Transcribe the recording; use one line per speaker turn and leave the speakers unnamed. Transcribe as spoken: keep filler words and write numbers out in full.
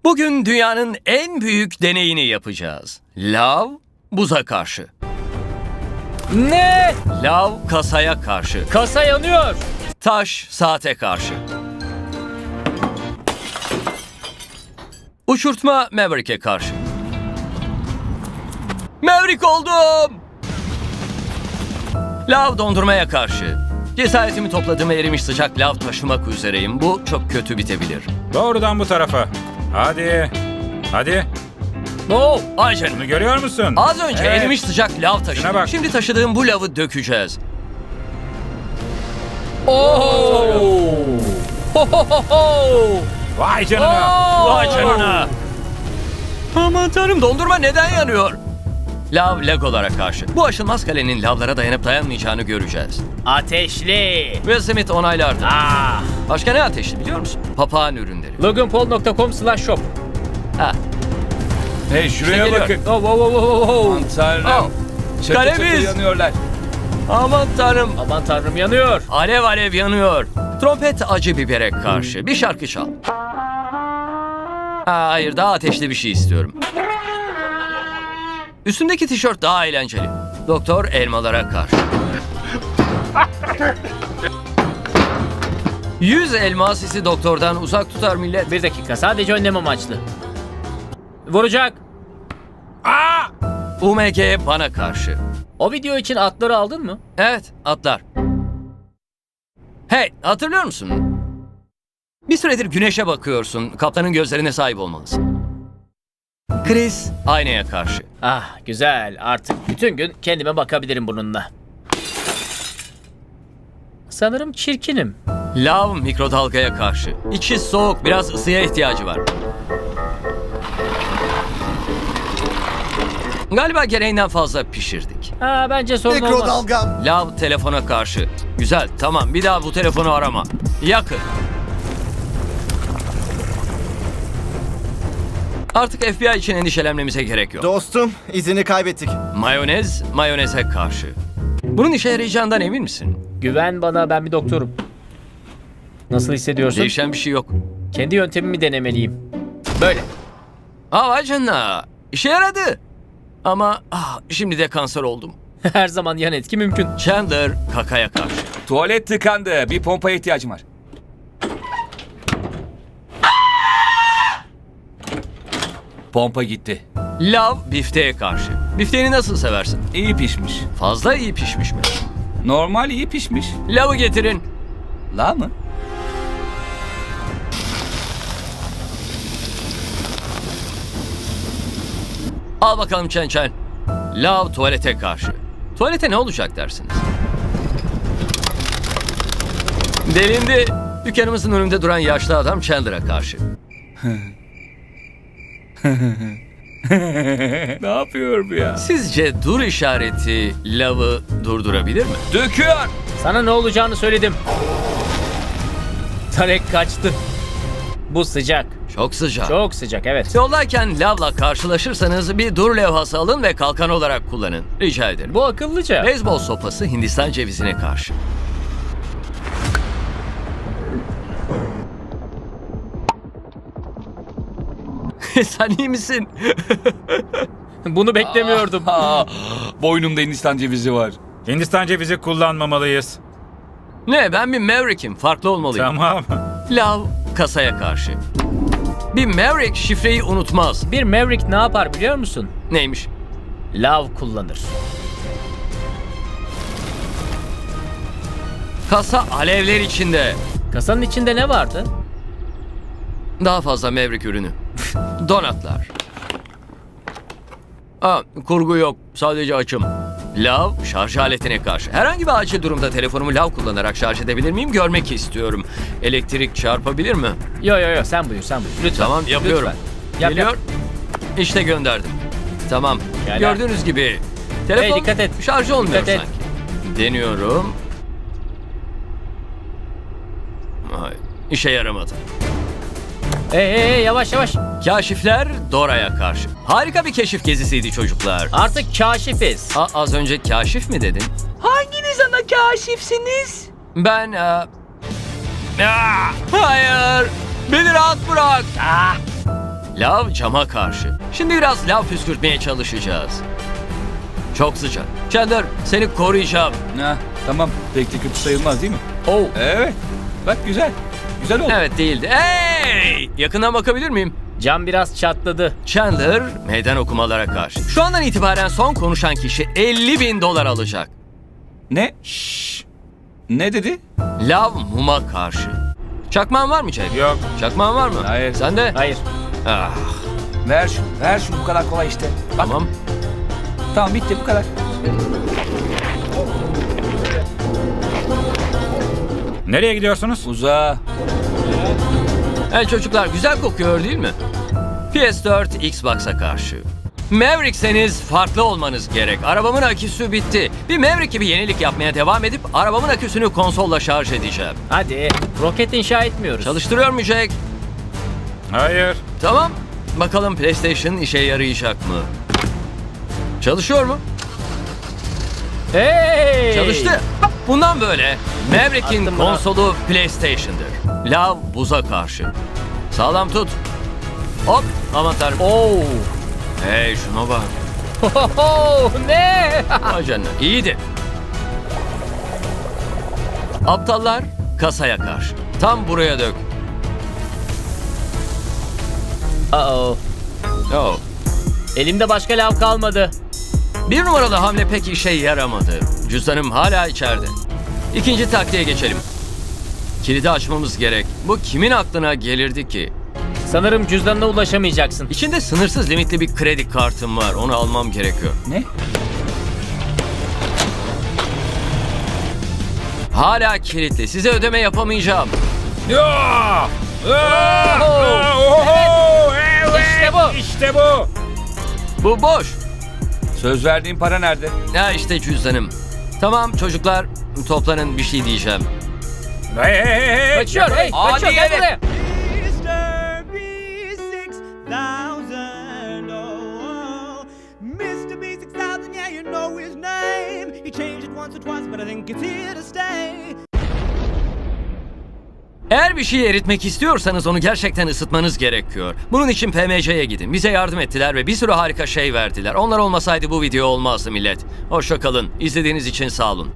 Bugün dünyanın en büyük deneyini yapacağız. Lav buza karşı.
Ne?
Lav kasaya karşı.
Kasa yanıyor.
Taş saate karşı. Uçurtma Maverick'e karşı. Maverick oldum! Lav dondurmaya karşı. Cesaretimi topladığım erimiş sıcak lav taşımak üzereyim. Bu çok kötü bitebilir.
Doğrudan bu tarafa. Hadi. Hadi.
Oo, ay canım.
Bunu görüyor musun?
Az önce
Evet.
erimiş sıcak lav
Şuna
taşıdım.
bak.
Şimdi taşıdığım bu lavı dökeceğiz.
Oo! Ho ho ho ho!
Vay canına.
Oo!
Vay canına. Aman tanrım, dondurma neden yanıyor? Lav Legolara karşı. Bu aşılmaz kalenin lavlara dayanıp dayanmayacağını göreceğiz.
Ateşli.
Will Smith onaylardı.
Ah!
Başka ne ateşli biliyor musun? Papağan ürünleri.
logan paul nokta com slash shop.
Ha.
Hey şuraya
geliyor.
bakın.
Oh, oh, oh, oh, oh.
Aman tanrım.
Oh.
Çatı
Kalemiz.
çatı yanıyorlar.
Aman tanrım.
Aman tanrım yanıyor.
Alev alev yanıyor. Trompet acı bibere karşı. Bir şarkı çal. Ha, hayır, daha ateşli bir şey istiyorum. Üstümdeki tişört daha eğlenceli. Doktor elmalara karşı. Yüz elma sizi doktordan uzak tutar millet.
Bir dakika, sadece önlem amaçlı. Vuracak.
U M G bana karşı.
O video için atları aldın mı?
Evet, atlar. Hey, hatırlıyor musun? Bir süredir güneşe bakıyorsun. Kaptanın gözlerine sahip olmalısın. Chris aynaya karşı.
Ah güzel, artık bütün gün kendime bakabilirim bununla. Sanırım çirkinim.
Lav mikrodalgaya karşı. İçi soğuk, biraz ısıya ihtiyacı var. Galiba gereğinden fazla pişirdik.
Ha, bence sorun olmaz.
Mikrodalgam.
Lav telefona karşı. Güzel, tamam, bir daha bu telefonu arama. Yakın. Artık F B I için endişelenmemize gerek yok.
Dostum, izini kaybettik.
Mayonez, mayoneze karşı. Bunun işe yarayacağından emin misin?
Güven bana, ben bir doktorum. Nasıl hissediyorsun?
Değişen bir şey yok.
Kendi yöntemimi denemeliyim. Böyle.
Aa, vay canına. İşe yaradı. Ama ah, şimdi de kanser oldum.
Her zaman yan etki mümkün.
Chandler kakaya karşı.
Tuvalet tıkandı. Bir pompaya ihtiyacım var. Pompa gitti.
Lav bifteğe karşı. Bifteğini nasıl seversin?
İyi pişmiş.
Fazla iyi pişmiş mi?
Normal iyi pişmiş.
Lavı getirin.
La mı?
Al bakalım Çen Çen. Lav tuvalete karşı. Tuvalete ne olacak dersiniz? Delindi. Dükkanımızın önünde duran yaşlı adam Chandler'a karşı.
Ne yapıyor bu ya?
Sizce dur işareti lavı durdurabilir mi?
Döküyor.
Sana ne olacağını söyledim. Tarek kaçtı. Bu sıcak.
Çok sıcak.
Çok sıcak, evet.
Yoldayken lavla karşılaşırsanız bir dur levhası alın ve kalkan olarak kullanın. Rica ederim.
Bu akıllıca.
Beyzbol sopası Hindistan cevizine karşı. Sen iyi misin?
Bunu beklemiyordum.
Aa, boynumda Hindistan cevizi var.
Hindistan cevizi kullanmamalıyız.
Ne, ben bir Maverick'im. Farklı olmalıyım.
Tamam.
Lav kasaya karşı. Bir Maverick şifreyi unutmaz.
Bir Maverick ne yapar biliyor musun?
Neymiş?
Lav kullanır.
Kasa alevler içinde.
Kasanın içinde ne vardı?
Daha fazla Maverick ürünü. Donatlar. Aa, kurgu yok. Sadece açım. Lav şarj aletine karşı. Herhangi bir acil durumda telefonumu lav kullanarak şarj edebilir miyim? Görmek istiyorum. Elektrik çarpabilir mi?
Yo yo yo, sen buyur sen buyur. Lütfen.
Tamam, yapıyorum.
Lütfen. Yap,
Geliyor.
yap.
İşte gönderdim. Tamam.
Gel,
Gördüğünüz gibi telefon
Hey, dikkat et.
şarj olmuyor
Dikkat et.
sanki. Deniyorum. Ay, işe yaramadı.
Hey hey hey, yavaş yavaş.
Kaşifler Dora'ya karşı. Harika bir keşif gezisiydi çocuklar.
Artık kaşifiz.
A, az önce kaşif mi dedin?
Hanginiz ana kaşifsiniz?
Ben... E... Aa, hayır! Beni rahat bırak! Lav cama karşı. Şimdi biraz lav püskürtmeye çalışacağız. Çok sıcak. Chandler, seni koruyacağım.
Ha, tamam. Pek de kötü sayılmaz değil mi?
Oh.
Evet. Bak güzel. Güzel oldu.
Evet değildi. Hey! Yakından bakabilir miyim?
Cam biraz çatladı.
Chandler meydan okumalara karşı. Şu andan itibaren son konuşan kişi elli bin dolar alacak.
Ne? Şşş. Ne dedi?
Lav muma karşı. Çakmağın var mı Jack?
Yok.
Çakmağın var mı?
Hayır.
Sen de?
Hayır.
Ah,
Ver şunu. Ver şunu. Bu kadar kolay işte. Bak.
tamam.
Tamam bitti bu kadar.
Nereye gidiyorsunuz?
Uzağa.
Hey çocuklar, güzel kokuyor değil mi? P S dört Xbox'a karşı. Maverick'seniz farklı olmanız gerek. Arabamın aküsü bitti. Bir Maverick gibi yenilik yapmaya devam edip arabamın aküsünü konsolla şarj edeceğim.
Hadi. Roket inşa etmiyoruz.
Çalıştırıyor mu Jack?
Hayır.
Tamam. Bakalım PlayStation işe yarayacak mı? Çalışıyor mu?
Hey!
Çalıştı. Bundan böyle Maverick'in
Attım bana.
konsolu PlayStation'dır. Lav buza karşı. Sağlam tut. Hop, aman tanrım.
Oo.
Hey şuna bak.
Hohoho, ne?
Vay canına. İyiydi. Aptallar kasaya karşı. Tam buraya dök.
Uh-oh.
Oh.
Elimde başka lav kalmadı.
Bir numaralı hamle pek işe yaramadı. Cüzdanım hala içeride. İkinci taktiğe geçelim. Kilidi açmamız gerek. Bu kimin aklına gelirdi ki?
Sanırım cüzdanına ulaşamayacaksın.
İçinde sınırsız limitli bir kredi kartım var. Onu almam gerekiyor.
Ne?
Hala kilitli. Size ödeme yapamayacağım.
Ya! Aa! Aa! Oho! Evet!
İşte bu.
İşte bu.
Bu boş.
Söz verdiğin para nerede?
Ya işte cüzdanım. Tamam çocuklar, toplanın, bir şey diyeceğim.
Hey hey hey hey!
Kaçıyor. Hey,
Hadi
kaçıyor. Gel
gelin.
buraya.
Mister B six thousand, oh, Mister B six thousand, yeah, you know his name. He changed it once or twice, but I think it's here to stay.
Eğer bir şeyi eritmek istiyorsanız onu gerçekten ısıtmanız gerekiyor. Bunun için P M C'ye gidin. Bize yardım ettiler ve bir sürü harika şey verdiler. Onlar olmasaydı bu video olmazdı millet. Hoşça kalın. İzlediğiniz için sağ olun.